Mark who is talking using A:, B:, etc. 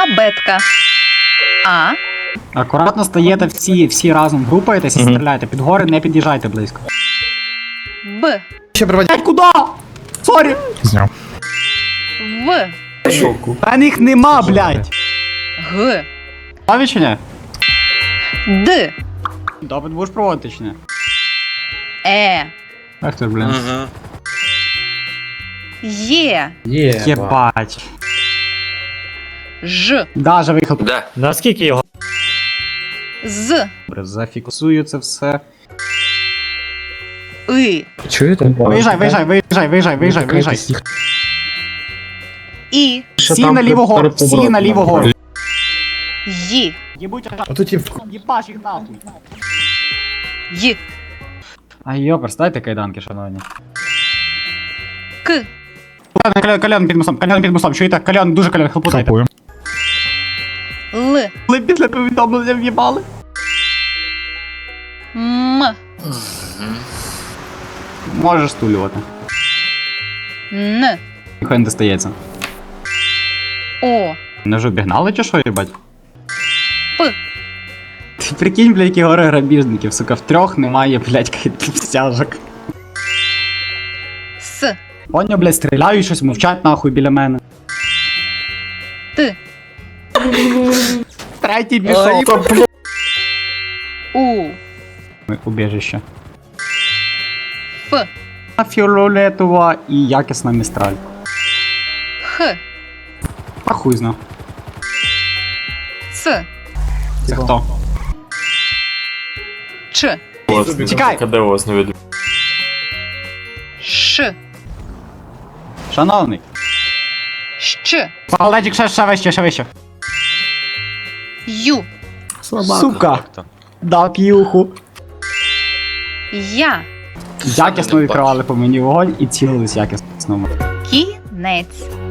A: Абетка. А.
B: Акуратно стаєте всі разом, групаєтесь і стріляєте. Під гори не під'їжджайте близько.
A: Б.
C: Ще проводять.
B: Блять, куди? Сорі!
C: Зняв.
A: В.
B: Та їх нема, блять!
A: Г.
B: Праві чи ні?
A: Д.
B: Допит будеш проводити чи ні?
A: Е.
B: Ах ти ж, блін.
A: Є.
B: Єбать.
A: Ж.
B: Даже виїхав.
D: Де?
E: Наскільки його?
A: З.
B: Добре, зафіксую це все.
A: И.
C: Чуєте?
B: Виїжджай.
A: І.
B: Всі на ліву гору, всі на ліву гору.
A: Ї.
B: Єбуть,
C: А тут
B: їбаш їх нахуй.
A: Й.
B: А йопер, стайте кайданки, шановні.
A: К.
B: Кальон під мостом, чуєте? Кальон, дуже кальон, хлопотайте.
A: Л.
B: Ви після повідомлення в'їбали?
A: М.
B: Можеш стулювати.
A: Н.
B: Ніхуя не достається.
A: О.
B: Не ж обігнали чи що, їбать?
A: П.
B: Ти прикинь, блядь, які гори грабіжників, сука, в трьох немає, блядь, стяжок.
A: С.
B: Поняв, блядь, стріляють щось, мовчать нахуй біля мене.
A: Т.
B: Третій пішов.
A: У.
B: Убіжище.
A: Ф.
B: Фіолетова і якісна містраль.
A: Х.
B: А хуй зна.
A: Ц.
B: Це хто?
A: Ч.
B: Чекай!
D: КД у вас не видно.
A: Ш.
B: Шановний.
A: Щ.
B: Палетик ще вище.
A: Ю.
B: Сука. Дав п'юху.
A: Я.
B: Якісно відкривали по мені вогонь і цілились якісно.
A: Кінець.